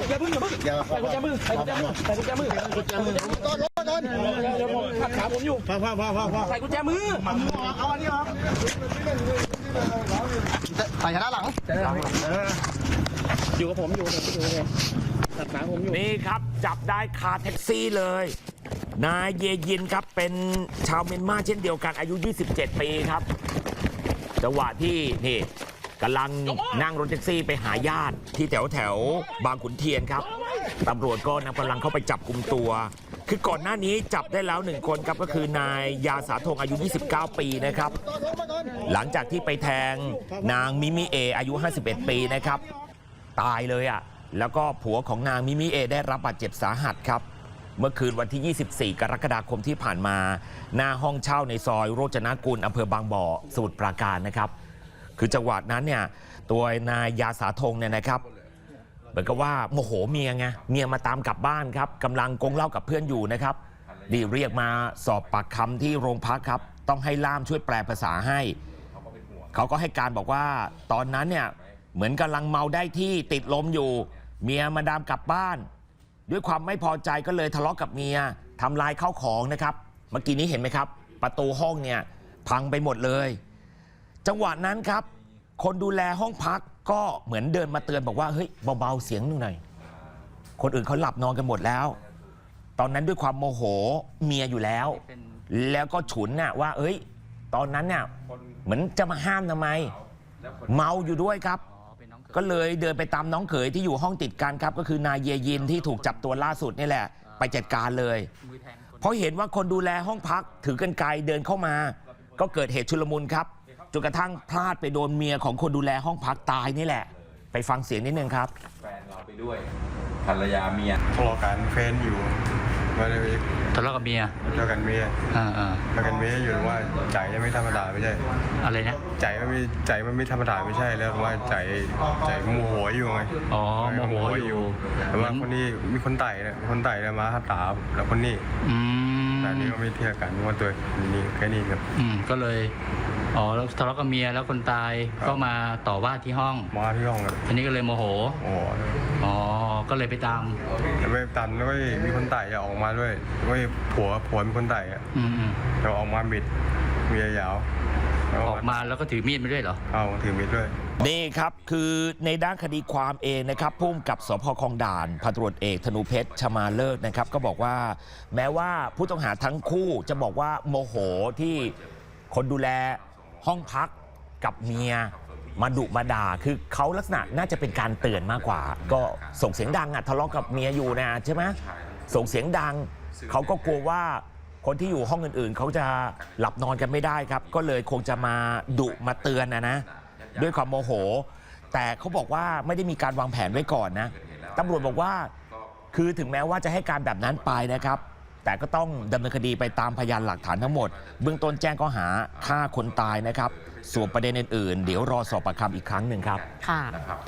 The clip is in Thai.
อย่าพึ่งใส่กุญแจมือใส่กุญแจมือใส่กุญแจมือตอนรถตอนเดี๋ยวผมขัดขาผมอยู่พอใส่กุญแจมือเอาอันนี้ออกใส่ชนะหลังอยู่กับผมขัดขาผมอยู่นี่ครับจับได้คาแท็กซี่เลยนายเยยินครับเป็นชาวเมียนมาเช่นเดียวกันอายุ27 ปีครับจังหวะที่นี่กำลังนั่งรถแท็กซี่ไปหาญาติที่แถวบางขุนเทียนครับตำรวจก็นำกำลังเข้าไปจับกุมตัวคือก่อนหน้านี้จับได้แล้ว1 คนครับก็คือนายยาสาธงอายุ29 ปีนะครับหลังจากที่ไปแทงนางมิมิเออายุ51 ปีนะครับตายเลยอ่ะแล้วก็ผัวของนางมิมิเอได้รับบาดเจ็บสาหัสครับเมื่อคืนวันที่ 24 กรกฎาคมที่ผ่านมาหน้าห้องเช่าในซอยโรจนกุลอำเภอบางบ่อสมุทรปราการนะครับคือจังหวะนั้นเนี่ยตัวนายยาสาธงเนี่ยนะครับเหมือนกับว่าโมโหเมียไงเมียมาตามกลับบ้านครับกำลังกงเหล้ากับเพื่อนอยู่นะครับดีเรียกมาสอบปากคำที่โรงพักครับต้องให้ล่ามช่วยแปลภาษาให้เขาก็ให้การบอกว่าตอนนั้นเนี่ยเหมือนกำลังเมาได้ที่ติดลมอยู่เมียมาตามกลับบ้านด้วยความไม่พอใจก็เลยทะเลาะกับเมียทำลายข้าวของนะครับเมื่อกี้นี้เห็นไหมครับประตูห้องเนี่ยพังไปหมดเลยจังหวะนั้นครับคนดูแลห้องพักก็เหมือนเดินมาเตือนบอกว่าเฮ้ยเบาๆเสียงหน่อยคนอื่นเขาหลับนอนกันหมดแล้วตอนนั้นด้วยความโมโหเมียอยู่แล้วแล้วก็ฉุนน่ะว่าเอ้ยตอนนั้นเนี่ยเหมือนจะมาห้ามทำไมเมาอยู่ด้วยครับก็เลยเดินไปตามน้องเขยที่อยู่ห้องติดกันครับก็คือนายเยยินที่ถูกจับตัวล่าสุดนี่แหละไปจัดการเลยเพราะเห็นว่าคนดูแลห้องพักถือกรรไกรเดินเข้ามาก็เกิดเหตุชุลมุนครับจนกระทั่งพลาดไปโดนเมียของคนดูแลห้องพักตายนี่แหละไปฟังเสียงนิดนึงครับแฟนเราไปด้วยภรรยาเมียทะเลาะกันแฟนอยู่มาเลยทะเลาะกับเมียทะเลาะกันเมียทะเลาะกันเมียอยู่ว่าใจไม่ธรรมดาไม่ใช่อะไรนะใจมันไม่ธรรมดาไม่ใช่แล้วว่าใจโมโหอยู่ไงอ๋อโมโหอยู่แต่ว่าคนนี้มีคนไต่เนี่ยคนไต่มาหัตถาแล้วคนนี้แต่นี่ก็ไม่เทียบกันว่าตัวนี้แค่นี้ครับก็เลยอ๋อแล้วทะเลาะกับเมียแล้วคนตายก็มาต่อว่าที่ห้องครับอันนี้ก็เลยโมโหอ๋อก็เลยไปตามแล้วก็มีคนไต่ออกมาด้วยว่าผัวมีคนไต่เราออกมาบิดเมียยาวออกมาแล้วก็ถือมีดมาด้วยเหรอถือมีดด้วยนี่ครับคือในด้านคดีความเองนะครับผู้กำกับสภ.คลองด่านพันตำรวจเอกธนูเพชรชมาเลิศนะครับก็บอกว่าแม้ว่าผู้ต้องหาทั้งคู่จะบอกว่าโมโหที่คนดูแลห้องพักกับเมียมาดุมาด่าคือเขาลักษณะน่าจะเป็นการเตือนมากกว่าก็ส่งเสียงดังทะเลาะกับเมียอยู่นะใช่ไหมส่งเสียงดังเขาก็กลัวว่าคนที่อยู่ห้องอื่นๆเขาจะหลับนอนกันไม่ได้ครับก็เลยคงจะมาดุมาเตือนนะด้วยความโมโหแต่เขาบอกว่าไม่ได้มีการวางแผนไว้ก่อนนะตำรวจบอกว่าคือถึงแม้ว่าจะให้การแบบนั้นไปนะครับแต่ก็ต้องดำเนินคดีไปตามพยานหลักฐานทั้งหมดเบื้องต้นแจ้งข้อหาฆ่าคนตายนะครับส่วนประเด็นอื่นๆเดี๋ยวรอสอบปากคำอีกครั้งหนึ่งครับค่ะ